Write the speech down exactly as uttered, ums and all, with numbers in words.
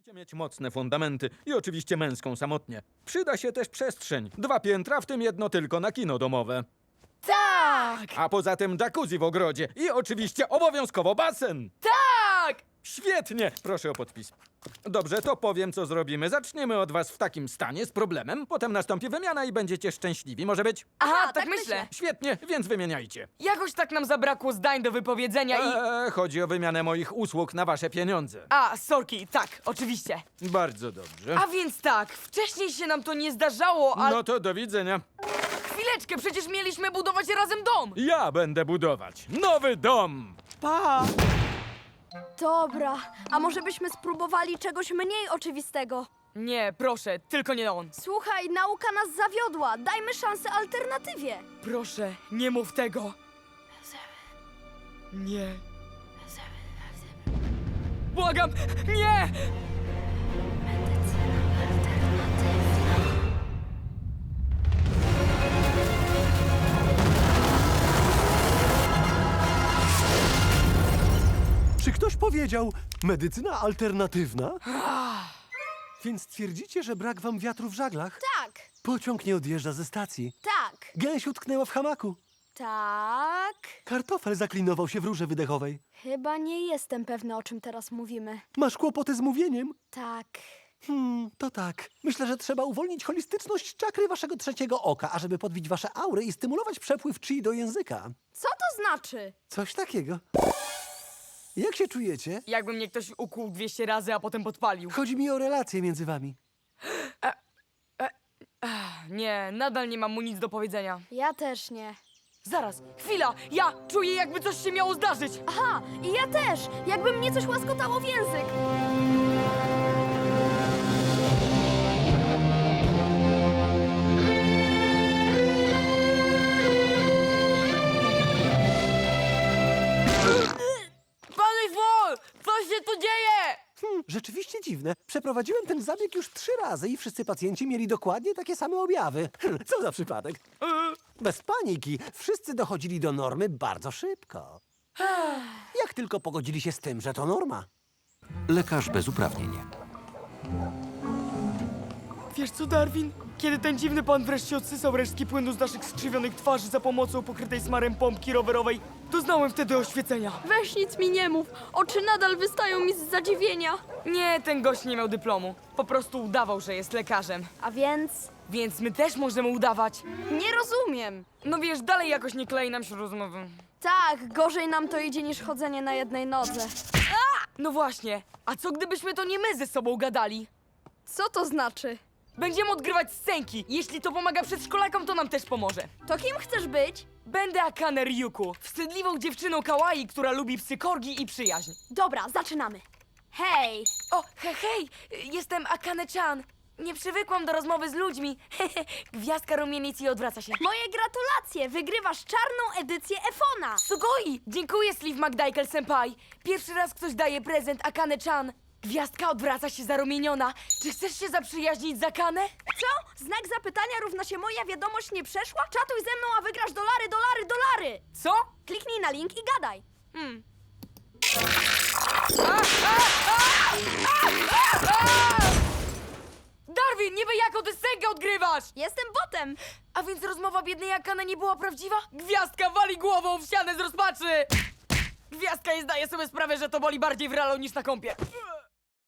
Musicie mieć mocne fundamenty i oczywiście męską samotnie. Przyda się też przestrzeń. Dwa piętra, w tym jedno tylko na kino domowe. Tak! A poza tym jacuzzi w ogrodzie i oczywiście obowiązkowo basen. Tak! Świetnie! Proszę o podpis. Dobrze, to powiem, co zrobimy. Zaczniemy od was w takim stanie z problemem, potem nastąpi wymiana i będziecie szczęśliwi. Może być? Aha, Aha, tak, tak myślę. myślę. Świetnie, więc wymieniajcie. Jakoś tak nam zabrakło zdań do wypowiedzenia i... Eee, chodzi o wymianę moich usług na wasze pieniądze. A, sorki, tak, oczywiście. Bardzo dobrze. A więc tak, wcześniej się nam to nie zdarzało, ale... No to do widzenia. Chwileczkę, przecież mieliśmy budować razem dom! Ja będę budować nowy dom. Pa! Dobra, a może byśmy spróbowali czegoś mniej oczywistego? Nie, proszę, tylko nie on. Słuchaj, nauka nas zawiodła. Dajmy szansę alternatywie. Proszę, nie mów tego. Nie. Błagam, nie! Czy ktoś powiedział medycyna alternatywna? Więc twierdzicie, że brak wam wiatru w żaglach? Tak, Pociąg nie odjeżdża ze stacji. tak, Gęś utknęła w hamaku. tak. Kartofel zaklinował się w rurze wydechowej. Chyba nie jestem pewna, o czym teraz mówimy. Masz kłopoty z mówieniem? Tak. Hmm, to tak. Myślę, że trzeba uwolnić holistyczność czakry waszego trzeciego oka, ażeby podbić wasze aury i stymulować przepływ chi do języka. Co to znaczy? Coś takiego. Jak się czujecie? Jakby mnie ktoś ukłuł dwieście razy, a potem podpalił. Chodzi mi o relacje między wami. Nie, nadal nie mam mu nic do powiedzenia. Ja też nie. Zaraz, chwila, ja czuję, jakby coś się miało zdarzyć. Aha, i ja też. Jakby mnie coś łaskotało w język. Panie Wol, co się tu dzieje? Hmm, rzeczywiście dziwne. Przeprowadziłem ten zabieg już trzy razy i wszyscy pacjenci mieli dokładnie takie same objawy. Hmm, Co za przypadek? Bez paniki. Wszyscy dochodzili do normy bardzo szybko. Jak tylko pogodzili się z tym, że to norma. Lekarz bez uprawnień. Wiesz co, Darwin? Kiedy ten dziwny pan wreszcie odsysał resztki płynu z naszych skrzywionych twarzy za pomocą pokrytej smarem pompki rowerowej, doznałem wtedy oświecenia. Weź nic mi nie mów. Oczy nadal wystają mi z zadziwienia. Nie, ten gość nie miał dyplomu. Po prostu udawał, że jest lekarzem. A więc... Więc my też możemy udawać. Nie rozumiem. No wiesz, dalej jakoś nie klei nam się rozmowy. Tak, gorzej nam to idzie niż chodzenie na jednej nodze. No właśnie, a co gdybyśmy to nie my ze sobą gadali? Co to znaczy? Będziemy odgrywać scenki. Jeśli to pomaga przedszkolakom, to nam też pomoże. To kim chcesz być? Będę Akane Ryuku, wstydliwą dziewczyną kawaii, która lubi psy korgi i przyjaźń. Dobra, zaczynamy. Hej! O, he, hej, jestem Akane-chan. Nie przywykłam do rozmowy z ludźmi. Gwiazdka rumienic i odwraca się. Moje gratulacje! Wygrywasz czarną edycję Efona! Sugoi! Dziękuję, Sleeve McDykel-senpai. Pierwszy raz ktoś daje prezent Akane-chan. Gwiazdka odwraca się zarumieniona. Czy chcesz się zaprzyjaźnić z Akane? Co? Znak zapytania równa się moja wiadomość nie przeszła? Czatuj ze mną, a wygrasz dolary, dolary, dolary! Co? Kliknij na link i gadaj. Hmm. Darwin, niby jaką ty scenkę odgrywasz? Jestem botem! A więc rozmowa biednej Akane nie była prawdziwa? Gwiazdka wali głową w ścianę z rozpaczy! Gwiazdka nie zdaje sobie sprawy, że to boli bardziej w realu niż na kąpie.